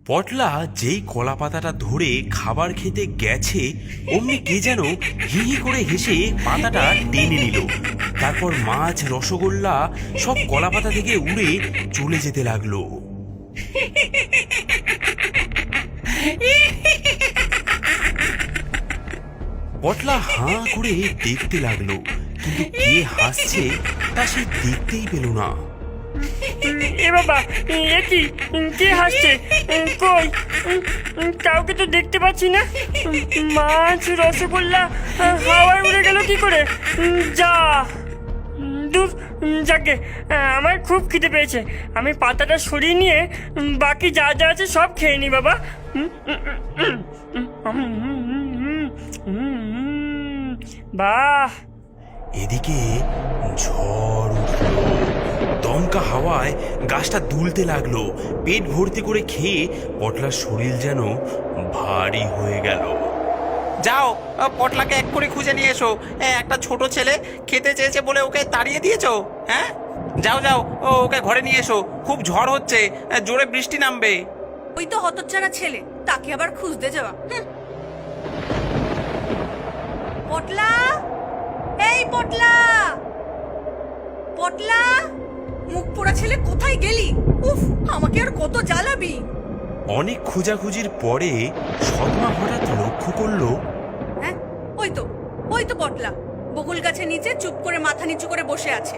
পটলা যেই কলা পাতাটা ধরে খাবার খেতে গেছে অমনি কে যেন হি হি করে হেসে পাতাটা টেনে নিল। তারপর মাছ, রসগোল্লা সব কলা পাতা থেকে উড়ে চলে যেতে লাগলো। পটলা হাঁ করে দেখতে লাগলো, কিন্তু কে হাসছে তা সে দেখতেই পেল না। এ বাবা, এ কি? কে হাসছে? কই? কাউকে তো দেখতে পাচ্ছি না। মাছ, রসগোল্লা হাওয়ায় উড়ে গেল কি করে? যা দূর, যাকে আমার খুব খিদে পেয়েছে। আমি পাতাটা সরিয়ে নিয়ে বাকি যা যা আছে সব খেয়ে নি বাবা। বাহ! এদিকে ঝড় উঠল, দমকা হাওয়ায় গাছটা দুলতে লাগলো। পেট ভর্তি করে খেয়ে পটলার শরীর যেন ভারী হয়ে গেল। যাও, পটলাকে এক করে খুঁজে নিয়ে এসো। একটা ছোট ছেলে খেতে চেয়েছে বলে ওকে তাড়িয়ে দিয়েছো? হ্যাঁ, যাও যাও, ওকে ঘরে নিয়ে এসো। খুব ঝড় হচ্ছে, জোরে বৃষ্টি নামবে। ওই তো হতচ্ছাড়া ছেলে, তাকে আবার খুঁজতে যাওয়া। পটলা, এই পটলা, পটলা, মুখ পোড়া ছেলে কোথায় গেলি? উফ, আমাকে আর কত জ্বালাবি। অনেক খোঁজাখুঁজির পরে সৎমা হঠাৎ লক্ষ্য করলো, হ্যাঁ, ওই তো পটলা বকুল গাছের নিচে চুপ করে মাথা নিচু করে বসে আছে।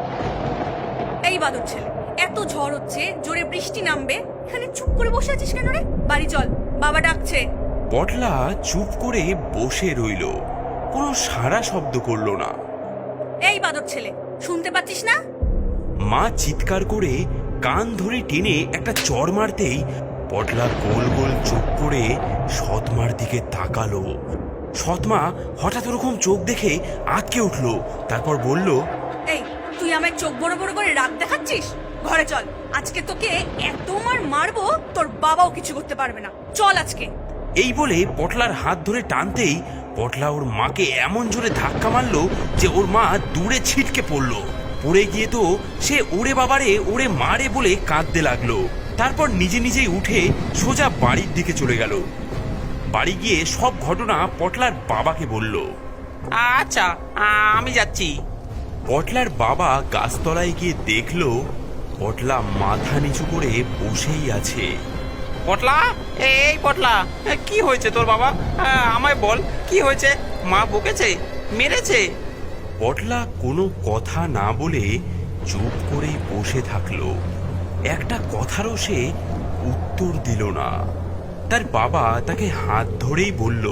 এই বাদর ছেলে, এত ঝড় হচ্ছে, জোরে বৃষ্টি নামবে, এখানে চুপ করে বসে আছিস কেন রে? বাড়ি চল, বাবা ডাকছে। পটলা চুপ করে বসে রইল, কোনো সাড়া শব্দ করলো না। এই বাদর ছেলে, শুনতে পাচ্ছিস না? মা চিৎকার করে কান ধরে টেনে একটা চড় মারতেই পটলা গোল গোল চোখ করে সৎমার দিকে তাকালো। সৎমা হঠাৎ ওরকম চোখ দেখে আটকে উঠলো, তারপর বলল, এই, তুই আমায় চোখ বড় বড় করে রাগ দেখাচ্ছিস? ঘরে চল, আজকে তোকে এত মারবো তোর বাবাও কিছু করতে পারবে না। চল আজকে। এই বলে পটলার হাত ধরে টানতেই পটলা ওর মাকে এমন জোরে ধাক্কা মারলো যে ওর মা দূরে ছিটকে পড়লো। পড়ে গিয়ে তো সে ওরে বাবারে, ওরে মারে বলে কাঁদতে লাগলো। তারপর নিজে নিজেই উঠে সোজা বাড়ির দিকে চলে গেল। বাড়ি গিয়ে সব ঘটনা পটলার বাবাকে বলল। আচ্ছা, আমি যাচ্ছি। পটলার বাবা গাছতলায় গিয়ে দেখলো পটলা মাথা নিচু করে বসেই আছে। পটলা, এই পটলা, কি হয়েছে তোর বাবা? আমায় বল, কি হয়েছে? মা বকেছে, মেরেছে? পটলা কোনো কথা না বলে চুপ করেই বসে থাকলো। একটা কথারও সে উত্তর দিল না। তার বাবা তাকে হাত ধরেই বলল,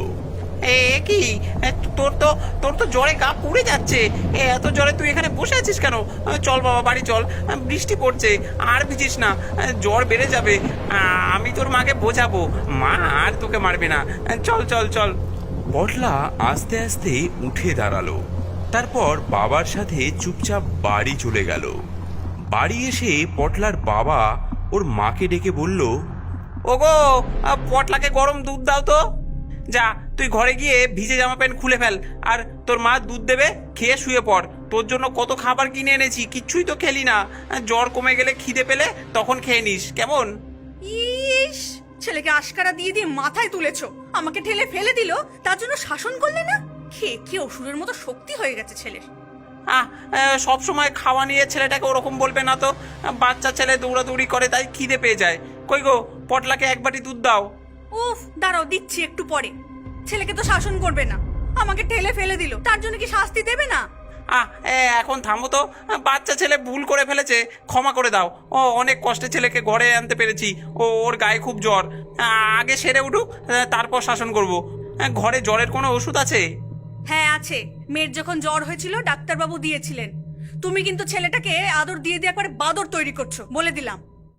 কি, তোর তো জ্বরে গা পুড়ে যাচ্ছে। এত জ্বরে তুই এখানে বসে আছিস কেন? চল বাবা, বাড়ি চল, বৃষ্টি পড়ছে, আর ভিজিস না, জ্বর বেড়ে যাবে। আমি তোর মাকে বোঝাবো, মা আর তোকে মারবে না। চল চল চল। পটলা আস্তে আস্তে উঠে দাঁড়ালো, তারপর বাবার সাথে চুপচাপ বাড়ি চলে গেল। বাড়ি এসে পটলার বাবা ওর মাকে ডেকে বলল, ওগো, পটলাকে গরম দুধ দাও তো। যা, তুই ঘরে গিয়ে ভিজে জামা প্যান্ট খুলে ফেল, আর তোর মা দুধ দেবে, খেয়ে শুয়ে পড়। তোর জন্য কত খাবার কিনে এনেছি, কিচ্ছুই তো খেলি না। জ্বর কমে গেলে খিদে পেলে তখন খেয়ে নিস, কেমন? ইস, ছেলেকে আশকারা দিয়ে দিয়ে মাথায় তুলেছো, আমাকে ঠেলে ফেলে দিল, তার জন্য শাসন করলে না? খেয়ে খেয়ে অসুরের মতো শক্তি হয়ে গেছে ছেলের। সব সময় খাওয়া নিয়ে ছেলেটাকে ওরকম বলবে না তো। বাচ্চা ছেলে দৌড়াদৌড়ি করে, তাই খিদে পেয়ে যায়। কই গো, পটলাকে এক বাটি দুধ দাও। উফ, দাঁড়াও, দিচ্ছি একটু পরে। ছেলেকে তো শাসন করবে না, আমাকে ঠেলে ফেলে দিল, তার জন্য কি শাস্তি দেবে না? এখন থামো তো। বাচ্চা ছেলে ভুল করে ফেলেছে, ক্ষমা করে দাও। অনেক কষ্টে ছেলেকে ঘরে আনতে পেরেছি। ওর গায়ে খুব জ্বর, আগে সেরে উঠুক, তারপর শাসন করব। ঘরে জ্বরের কোনো ওষুধ আছে? হ্যাঁ আছে, মেয়ের যখন জ্বর হয়েছিল ডাক্তারবাবু দিয়েছিলেন। তুমি কিন্তু ছেলেটাকে আদর দিয়ে দিয়ে একবারে বাদর তৈরি করছো, বলে দিলাম।